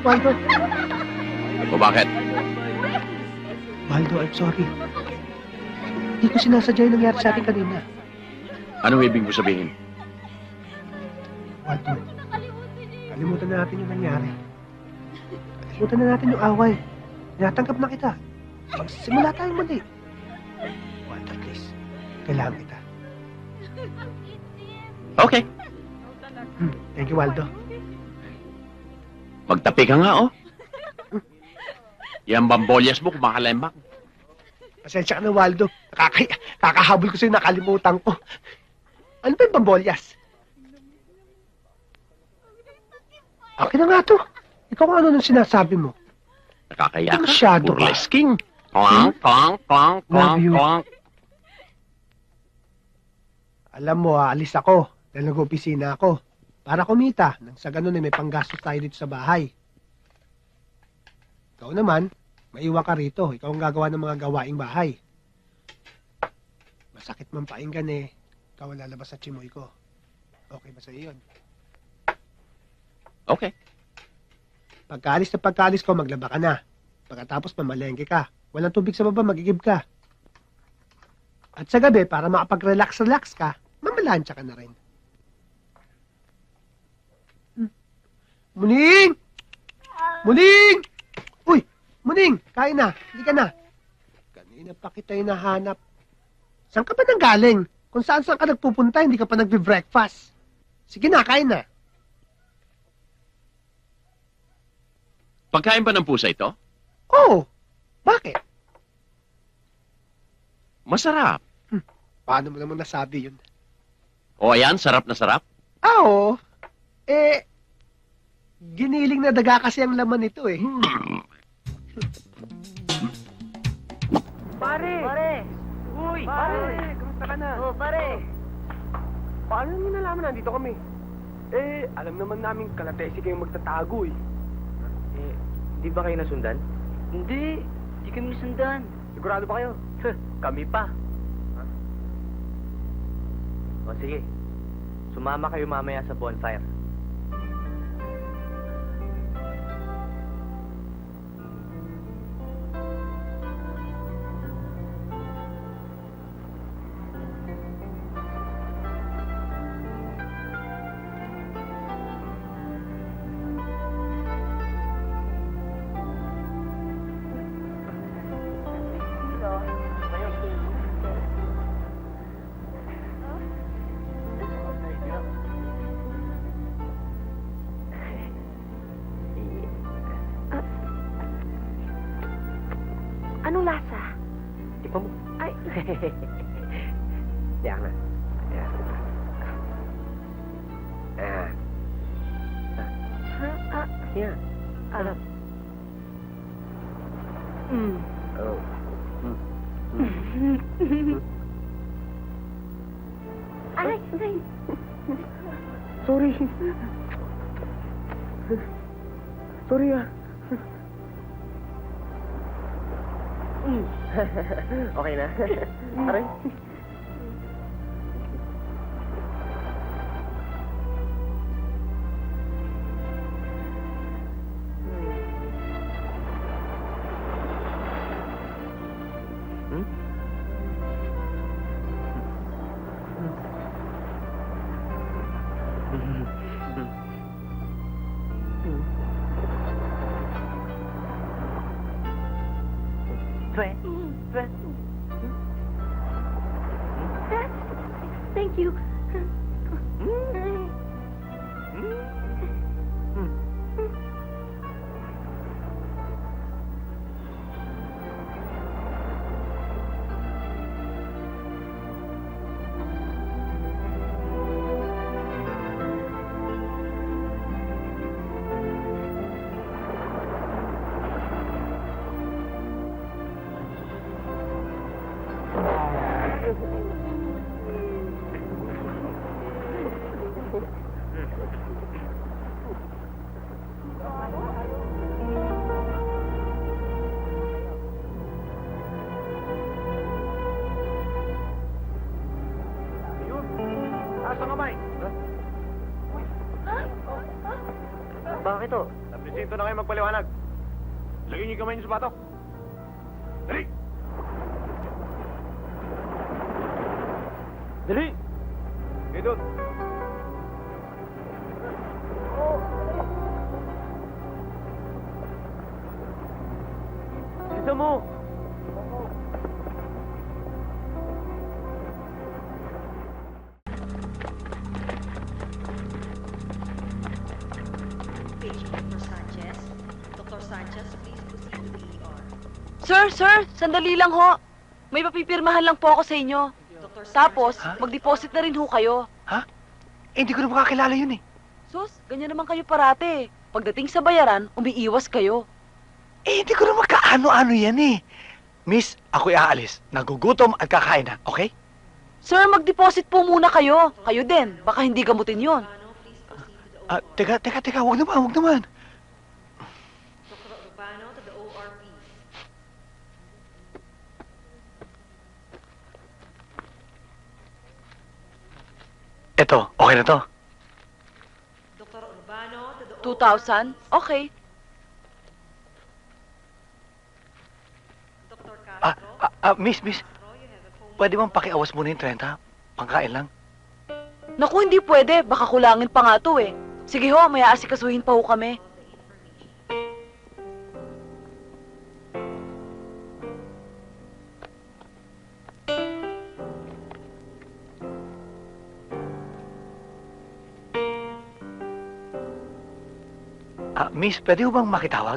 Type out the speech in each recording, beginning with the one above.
Waldo. O bakit? Waldo, I'm sorry. Hindi ko sinasadya yung nangyari sa atin kanina. Anong ibig mo sabihin? Waldo, kalimutan na natin yung nangyari. Kalimutan na natin yung away. Tinatanggap na kita. Magsimula tayong muli. Waldo, please. Kailangan kita. Okay. Thank you, Waldo. Magtapi ka nga, oh. Yan bambolyas mo, kumakalembak. Pasensya ka na, Waldo. Kakahabol ko sa'yo, nakalimutan ko. Ano ba yung pambolyas? Okay na nga to. Ikaw kung ano nung sinasabi mo. Nakakaya ka. Masyado ka. Burlesking. Klang, klang, klang, klang, Love you. klang. Alam mo, aalis ako dahil nag-opisina ako para kumita nang sa ganun ay may panggastos tayo dito sa bahay. Ikaw naman, maiwan ka rito. Ikaw ang gagawa ng mga gawaing bahay. Masakit man painggan eh. Ikaw ang lalabas sa chimoy ko. Okay ba sa yun? Okay. Pagkaalis ko, maglaba ka na. Pagkatapos mamalengke ka. Walang tubig sa baba, magigib ka. At sa gabi, para makapag-relax ka, mamalansya ka na rin. Muning! Muning! Uy! Muning! Kain na! Hindi ka na! Kanina pa kita hinahanap. Saan ka ba nang galing? Kung saan ka nagpupunta, hindi ka pa nagbe-breakfast. Sige na, kain na. Pagkain ba ng pusa ito? Oo. Bakit? Masarap. Paano mo naman nasabi yun? O ayan, sarap na sarap. Oo. Giniling na daga kasi ang laman nito eh. Pare! Pare! Uy! Pare! Kamusta ka na? Oh, pare! Paano niyo nalaman nandito kami? Alam naman namin kalatesi kayong magtatago eh. Di ba kayo nasundan? Hindi. Di kami nasundan. Sigurado ba kayo? Kami pa. O sige. Sumama kayo mamaya sa bonfire. Anong lasa? Tikman mo. Ay, Diyan na. Diyan. ha? Yan. Alam. Mm. Oh. Ay, ay. Sorry. Sorry ah. Okay na. Aray. Thank you. Bakit to? Presinto na kayo magpaliwanag. Lagyan niyo yung kamay niyo sa batok. Dali! Dali! Okay, doon. Bilisan mo! Page Dr. Sanchez. Dr. Sanchez, please proceed to the ER. Sir, sandali lang ho. May papipirmahan lang po ako sa inyo. Dr. Tapos, Ha? mag-deposit na rin ho kayo. hindi ko na makakilala yun eh. Sus, ganyan naman kayo parate. Pagdating sa bayaran, umiiwas kayo. Hindi ko na magkaano-ano yan eh. Miss, ako'y aalis. Nagugutom at kakain na, okay? Sir, mag-deposit po muna kayo. Kayo din, baka hindi gamutin yon. Urbano, please proceed to the OR. Teka, wag naman. Dr. Urbano to the OR, please. Eto, okay na to. Dr. Urbano to the OR. 2,000? Okay. Dr. Ah, Castro. miss, Castro, you have a phone. pwede bang pakiawas muna yung 30? Pangkain lang. Naku, hindi pwede. Baka kulangin pa nga to eh. Sige ho, may aasikasuhin pa ho kami. Miss, pwede bang makitawag?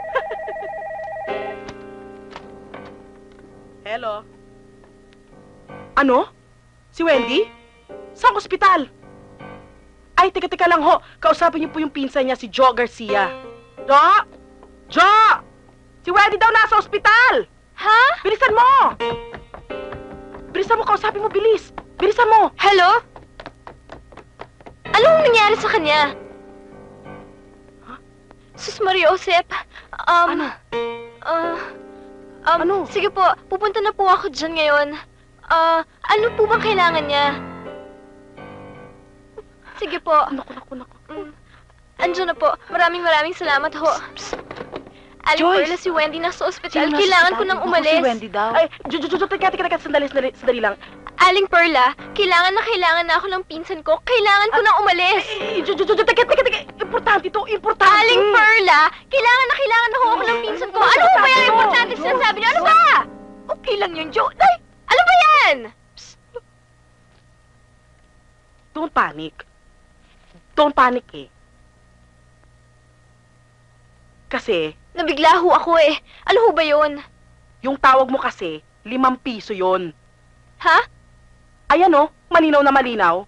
Hello? Ano? Si Wendy? Saan ospital? Ay, teka lang ho. Kausapin niyo po yung pinsan niya, si Joe Garcia. Jo! Jo! Si Wendy daw nasa ospital! Ha? Bilisan mo! Bilisan mo, kausapin mo, bilis! Bilisan mo! Hello? Anong nangyari sa kanya? Sus Maria Josep, Ano? Ano? Sige po, pupunta na po ako dyan ngayon. Ano po bang kailangan niya? Sige po. Naku. Andiyan na po. Maraming salamat ho. Aling Joyce! Perla, si Wendy nasa ospital. Sino nasa Kailangan ko ospital? nang Naku, umalis. Si Wendy daw. Ay, Jo, teka, sandali lang. Aling Perla, kailangan na ako ng pinsan ko. Kailangan ko nang umalis. Jo, teka. Importante to, importante. Aling Perla, kailangan na ho ako ng pinsan ko. Ano ba yung importante sinasabi niyo? Ano ba? Okay lang yun, Jo. Ay, ano ba yan? Don't panic. Don't panic eh. Kasi, Nabigla ho ako eh. Ano ho ba yun? yung tawag mo kasi, 5 piso yon. Ha? Ayan oh, malinaw na malinaw.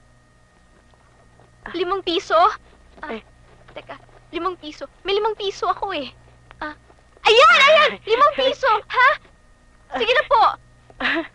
5 piso? Eh. Teka, 5 piso. May 5 piso ako eh. Ayan! 5 piso! Ha? Sige na po.